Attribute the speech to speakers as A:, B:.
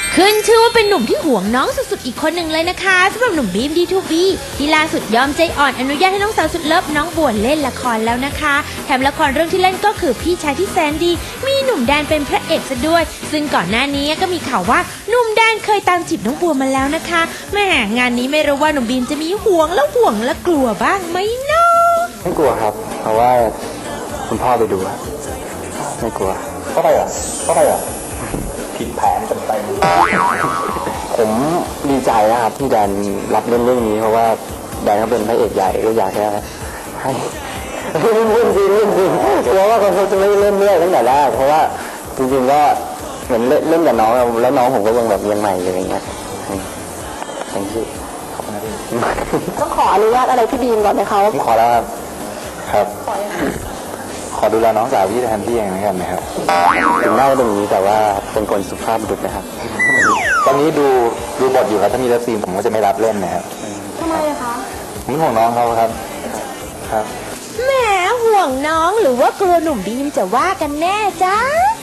A: ขึ้นชื่อว่าเป็นหนุ่มที่ห่วงน้องสุดๆอีกคนหนึ่งเลยนะคะสำหรับหนุ่มบีมD2Bที่ล่าสุดยอมใจอ่อนอนุญาตให้น้องสาวสุดเลิฟน้องบัวเล่นละครแล้วนะคะแถมละครเรื่องที่เล่นก็คือพี่ชายที่แสนดีมีหนุ่มแดนเป็นพระเอกซะด้วยซึ่งก่อนหน้านี้ก็มีข่าวว่าหนุ่มแดนเคยตามจีบน้องบัวมาแล้วนะคะแหม่งานนี้ไม่รู้ว่าหนุ่มบีมจะมีห่วงแล้วกลัวบ้างไหมเนาะ
B: ไม่กลัวครับเพราะว่าคุณพ่อไปดูอะไม่กลัวก็ไปอ่ะผิดแผนเต็มๆผมดีใจนะครับที่แดนรับเล่นเรื่องนี้เพราะว่าแดนเขาเป็นพระเอกใหญ่ก็อยากให้เล่นจริงกลัวว่าเขาจะไม่เล่นเรื่องตั้งแต่แรกเพราะว่าจริงๆก็เหมือนเล่นกับน้องแล้วน้องผมก็ยังแบบยังใหม่อยู่อย่างเงี้ยทั้งที่ขอบคุณนะพี่
C: ต้องขออนุญาตอะไรพี่บีมก่อนไหมคะ
B: ผมขอแล้วครับขอดูแลน้องสาวพี่แทนพี่เองนะครับนะครับถึงหน้าเป็นอย่างนี้แต่ว่าเป็นคนสุภาพบุรุษนะครับตอนนี้ดูบทอยู่ครับถ้ามีเลิฟซีนผมก็จะไม่รับเล่นนะครับ
C: ทำไมอะคะ
B: ผมห่วงน้องเขาครับ
A: แหมห่วงน้องหรือว่ากลัวหนุ่มบีมจะว่ากันแน่จ้า